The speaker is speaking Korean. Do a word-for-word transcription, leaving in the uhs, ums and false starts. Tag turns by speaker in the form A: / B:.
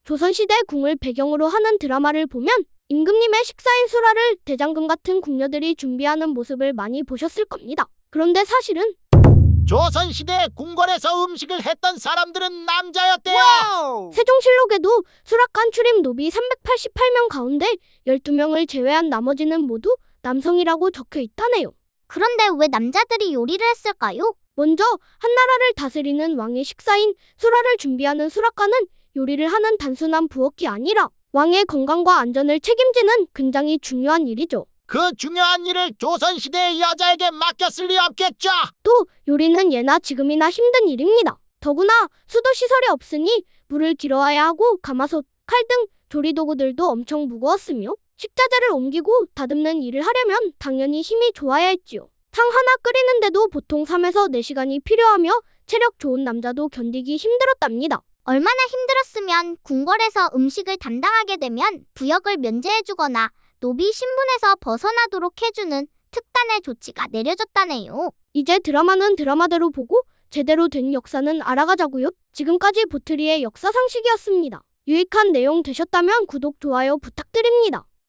A: 조선시대 궁을 배경으로 하는 드라마를 보면 임금님의 식사인 수라를 대장금 같은 궁녀들이 준비하는 모습을 많이 보셨을 겁니다. 그런데 사실은
B: 조선시대 궁궐에서 음식을 했던 사람들은 남자였대요. 와우!
A: 세종실록에도 수락관 출입 노비 삼백팔십팔 명 가운데 열두 명을 제외한 나머지는 모두 남성이라고 적혀 있다네요.
C: 그런데 왜 남자들이 요리를 했을까요?
A: 먼저 한나라를 다스리는 왕의 식사인 수라를 준비하는 수락관은 요리를 하는 단순한 부엌이 아니라 왕의 건강과 안전을 책임지는 굉장히 중요한 일이죠.
B: 그 중요한 일을 조선시대의 여자에게 맡겼을 리 없겠죠.
A: 또 요리는 예나 지금이나 힘든 일입니다. 더구나 수도시설이 없으니 물을 길어와야 하고 가마솥, 칼 등 조리도구들도 엄청 무거웠으며 식자재를 옮기고 다듬는 일을 하려면 당연히 힘이 좋아야 했지요. 탕 하나 끓이는데도 보통 삼에서 네 시간이 필요하며 체력 좋은 남자도 견디기 힘들었답니다.
C: 얼마나 힘들었으면 궁궐에서 음식을 담당하게 되면 부역을 면제해주거나 노비 신분에서 벗어나도록 해주는 특단의 조치가 내려졌다네요.
A: 이제 드라마는 드라마대로 보고 제대로 된 역사는 알아가자고요. 지금까지 보트리의 역사 상식이었습니다. 유익한 내용 되셨다면 구독, 좋아요 부탁드립니다.